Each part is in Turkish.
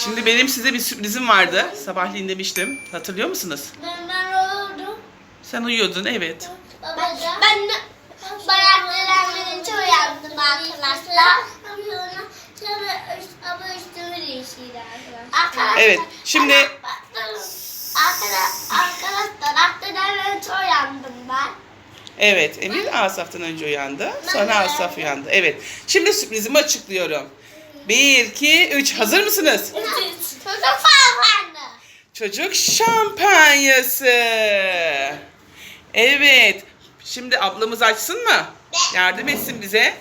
Şimdi benim size bir sürprizim vardı. Sabahleyin demiştim. Hatırlıyor musunuz? Ben uyudum. Sen uyuyordun, evet. Ben bayraklarımın çok uyandım arkadaşlar. Ama üstümü değiştirdi arkadaşlar. Evet, şimdi... Arkadaşlar aktarlarımın çok uyandım ben. Evet, Emir Asaf'tan önce uyandı. Sonra Asaf uyandı. Evet, şimdi sürprizimi açıklıyorum. 1, 2, 3. Hazır mısınız? Çocuk falan. Çocuk şampanyası. Evet. Şimdi ablamız açsın mı? Yardım etsin bize.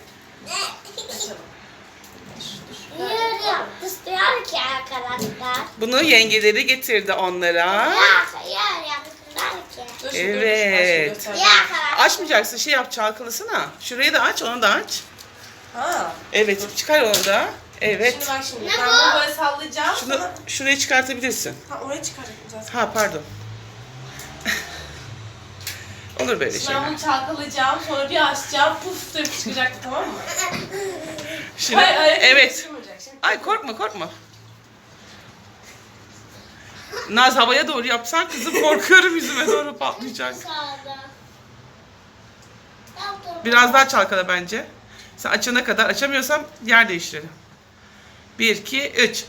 Niye öyle yaptı istiyor ki arkadaşlar? Bunu yengeleri getirdi onlara. Ya yaptılar ki. Evet. Ya arkadaşlar. Açmayacaksın, şey yap, çalkalasana. Şurayı da aç, onu da aç. Ha. Evet, çıkar onu da. Evet. Şimdi bak şimdi. Ne Ben bu? bunu böyle sallayacağım. Şunu Sonra... şuraya çıkartabilirsin. Ha, oraya çıkaracağım zaten. Ha, pardon. Olur böyle Şimdi ben şeyler. bunu çalkalayacağım. Sonra bir açacağım. Puf diye çıkacaktı, tamam mı? Şimdi, Hayır, evet. çıkmayacak. Şimdi... Ay korkma. Naz, havaya doğru yapsan kızım, korkuyorum yüzüme doğru patlayacak. Sağda. Biraz daha çalkala bence. Sen açana kadar, açamıyorsam yer değiştirelim. 1, 2, 3.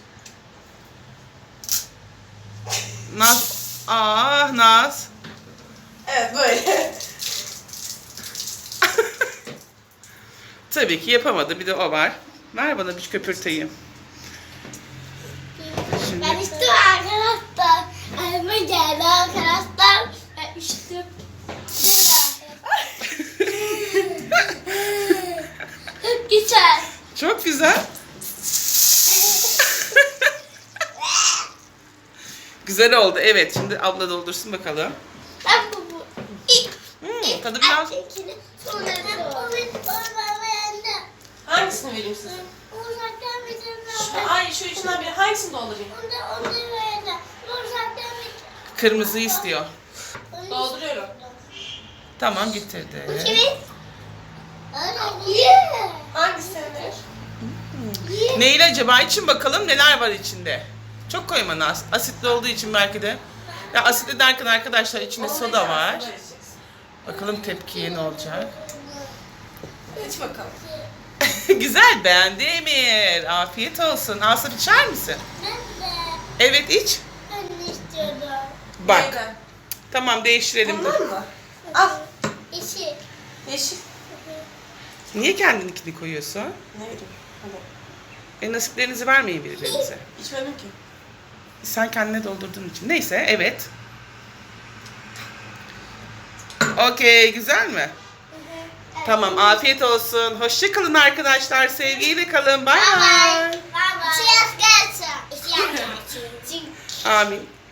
Naz. Naz. Evet, böyle. Tabii ki yapamadı. Bir de o var. Ver bana bir köpürteyim. Şimdi. Ben içtim arkadaşlar. Elime geldi arkadaşlar. Ben içtim. Çok güzel. Çok güzel. Güzel oldu. Evet. Şimdi abla doldursun bakalım. Ben bu. Tadı biraz... Sonra da beğendim. Hangisini vereyim size? Uzaktan bir Şu üçünden biri. Hangisini doldurayım? Onu beğendim. Uzaktan bir Kırmızı istiyor. Dolduruyorum. Tamam, getirdi. kimin? Yeah. Hangisi senin? Neyle acaba? İçin bakalım neler var içinde. Çok koyma Naz. Asitli olduğu için belki de. Ya asitli derken arkadaşlar içinde soda var. Bakalım tepkiye ne olacak. İç bakalım. Güzel, beğendi Emir. Afiyet olsun. Asaf, içer misin? Ben de. Evet, iç. Ben istiyordum. Bak. Neyden? Tamam, değiştirelim. Bundan mı? Al. İşi. Yeşil. Niye kendininkini koyuyorsun? Ne vereyim? Hadi. Nasiplerinizi vermeyin birbirinize. İçmedim ki. Sen kendine doldurduğun için. Neyse, evet. Okey, güzel mi? Tamam, afiyet olsun. Hoşça kalın arkadaşlar. Sevgiyle kalın. Bay bay. Bye bye. Cheers, guys. Amin.